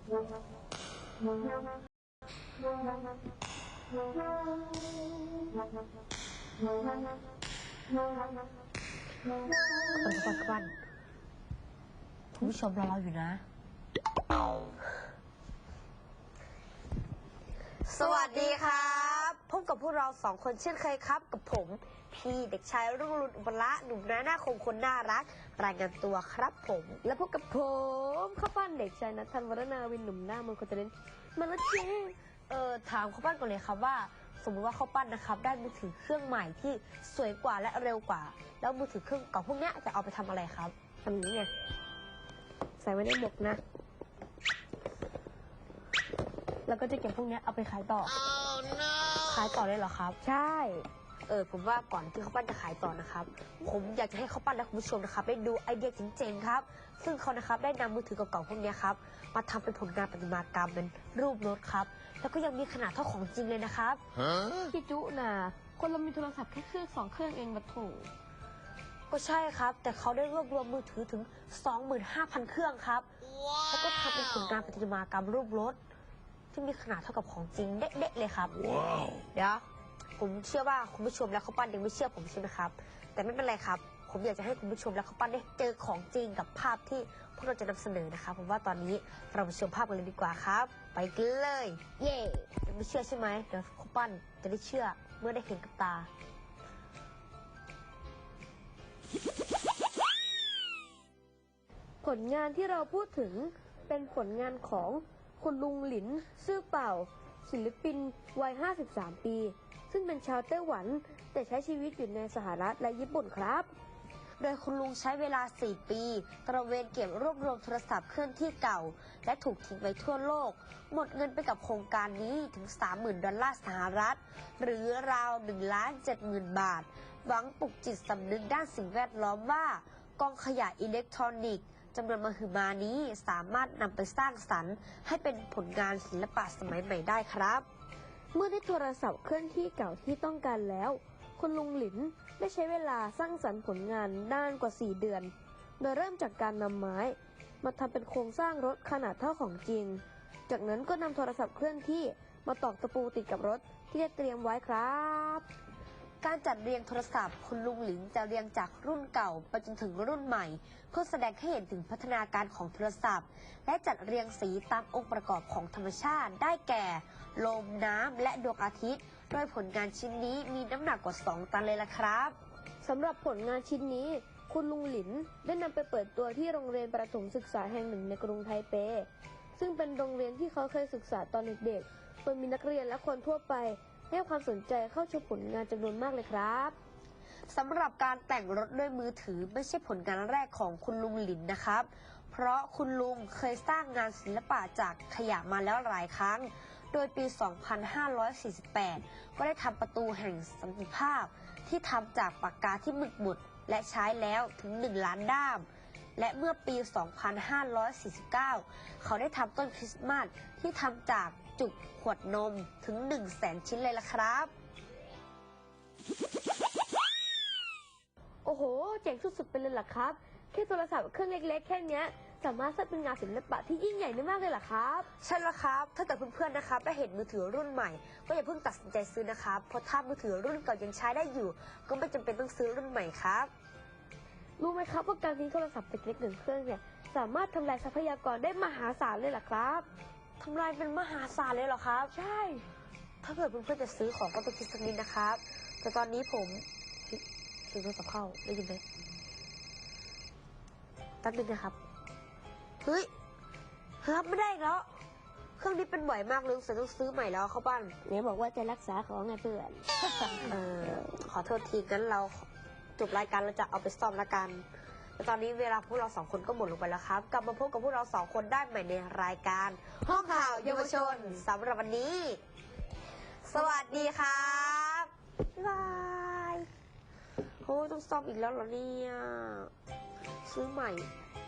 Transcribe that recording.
วันคุณผู้ชมรอเราอยู่นะสวัสดีครับพบกับพวกเรา2 คนเช่นเคยครับกับผมพี่เด็กชายรุ่งรุ่นอุบละหนุ่มหน้าคมคนน่ารักรายงานตัวครับผมและพบกับผมข้าวปั้นเด็กชายณัฐันวรนาวินหนุ่มหน้าเมืองคนเจริญมาแล้วเจ๊ถามข้าวปั้นก่อนเลยครับว่าสมมติว่าข้าวปั้นนะครับได้มือถือเครื่องใหม่ที่สวยกว่าและเร็วกว่าแล้วมือถือเครื่องเก่าพวกนี้จะเอาไปทำอะไรครับทำนี้ไงใส่ไว้ในหมวกนะแล้วก็จะเก็บพวกนี้เอาไปขายต่อ ขายต่อเลยเหรอครับใช่ผมว่าก่อนที่ข้าวปั้นจะขายต่อนะครับผมอยากจะให้ข้าวปั้นและคุณผู้ชมนะครับได้ดูไอเดียเจ๋งๆครับซึ่งเขานะครับได้นำมือถือเก่าๆพวกนี้ครับมาทำเป็นผลงานประติมากรรมเป็นรูปรถครับแล้วก็ยังมีขนาดเท่าของจริงเลยนะครับพี่จุนะคนเรามีโทรศัพท์แค่เครื่อง2 เครื่องเองมาถูกก็ใช่ครับแต่เขาได้รวบรวมมือถือถึง 25,000 เครื่องครับเขาก็ทำเป็นผลงานประติมากรรมรูปรถที่มีขนาดเท่ากับของจริงเด็ดๆเลยครับเดี๋ยวผมเชื่อว่าคุณผู้ชมและข้าวปั้นยังไม่เชื่อผมใช่ไหมครับแต่ไม่เป็นไรครับผมอยากจะให้คุณผู้ชมและข้าวปั้นได้เจอของจริงกับภาพที่พวกเราจะนำเสนอนะครับผมว่าตอนนี้เราไปชมภาพกันเลยดีกว่าครับไปกันเลยเย่ยังไม่เชื่อใช่ไหมเดี๋ยวข้าวปั้นจะได้เชื่อเมื่อได้เห็นกับตาผลงานที่เราพูดถึงเป็นผลงานของคุณลุงหลินซื่อเป่าศิลปินวัย 53 ปี ซึ่งเป็นชาวไต้หวันแต่ใช้ชีวิตอยู่ในสหรัฐและญี่ปุ่นครับโดยคุณลุงใช้เวลา 4 ปีตระเวนเก็บรวบรวมโทรศัพท์เคลื่อนที่เก่าและถูกทิ้งไว้ทั่วโลกหมดเงินไปกับโครงการนี้ถึง $30,000 สหรัฐหรือราว 1,70,000 บาทหวังปลุกจิตสำนึกด้านสิ่งแวดล้อมว่ากองขยะอิเล็กทรอนิกส์จำนวนมหึมานี้สามารถนำไปสร้างสรรค์ให้เป็นผลงานศิลปะสมัยใหม่ได้ครับเมื่อได้โทรศัพท์เคลื่อนที่เก่าที่ต้องการแล้วคุณลุงหลินได้ใช้เวลาสร้างสรรค์ผลงานนานกว่า4 เดือนโดยเริ่มจากการนำไม้มาทำเป็นโครงสร้างรถขนาดเท่าของจริงจากนั้นก็นำโทรศัพท์เคลื่อนที่มาตอกตะปูติดกับรถที่ได้เตรียมไว้ครับการจัดเรียงโทรศัพท์คุณลุงหลินจะเรียงจากรุ่นเก่าไปจนถึงรุ่นใหม่เพื่อแสดงให้เห็นถึงพัฒนาการของโทรศัพท์และจัดเรียงสีตามองค์ประกอบของธรรมชาติได้แก่ลมน้ำและดวงอาทิตย์โดยผลงานชิ้นนี้มีน้ำหนักกว่า2 ตันเลยล่ะครับสำหรับผลงานชิ้นนี้คุณลุงหลินได้นำไปเปิดตัวที่โรงเรียนประถมศึกษาแห่งหนึ่งในกรุงไทเปซึ่งเป็นโรงเรียนที่เขาเคยศึกษาตอนเด็กๆโดยมีนักเรียนและคนทั่วไปให้ความสนใจเข้าชมผลงานจำนวนมากเลยครับสำหรับการแต่งรถด้วยมือถือไม่ใช่ผลงานแรกของคุณลุงหลินนะครับเพราะคุณลุงเคยสร้างงานศิลปะจากขยะมาแล้วหลายครั้งโดยปี 2548 ก็ได้ทำประตูแห่งสันติภาพที่ทำจากปากกาที่หมึกหมดและใช้แล้วถึง 1 ล้านด้ามและเมื่อปี 2549 เขาได้ทำต้นคริสต์มาสที่ทำจากจุกขวดนมถึง 100,000 ชิ้นเลยล่ะครับโอ้โหเจ๋งสุดๆไปเลยล่ะครับแค่โทรศัพท์เครื่องเล็กๆแค่นี้สามารถสร้างเป็นงานศิลปะที่ยิ่งใหญ่ได้มากเลยล่ะครับใช่แล้วครับถ้าเกิดเพื่อนๆนะครับได้เห็นมือถือรุ่นใหม่ก็อย่าเพิ่งตัดสินใจซื้อนะครับเพราะถ้ามือถือรุ่นเก่ายังใช้ได้อยู่ก็ไม่จำเป็นต้องซื้อรุ่นใหม่ครับรู้ไหมครับว่าการทิ้งโทรศัพท์เล็กๆ1 เครื่องเนี่ยสามารถทำลายทรัพยากรได้มหาศาลเลยล่ะครับทำลายเป็นมหาศาลเลยเหรอครับใช่ถ้าเกิดเพื่อนๆจะซื้อของก็ต้องคิดสักนิดนะครับแต่ตอนนี้ผมเสียงโทรศัพท์เข้าได้ยินไหมตั้งนึงนะครับเฮ้ยรับไม่ได้แล้วเครื่องนี้เป็นบ่อยมากเลยต้องซื้อใหม่แล้วเข้าบ้านเนี่ยบอกว่าจะรักษาของไงเพื่อนขอโทษทีงั้นเราจบรายการเราจะเอาไปซ่อมละกันแต่ตอนนี้เวลาพวกเรา2 คนก็หมดลงไปแล้วครับกลับมาพบกับพวกเรา2 คนได้ใหม่ในรายการห้องข่าวเยาวชนสำหรับวันนี้สวัสดีครับบ๊ายบายโอ้ต้องซ่อมอีกแล้วเหรอเนี่ยซื้อใหม่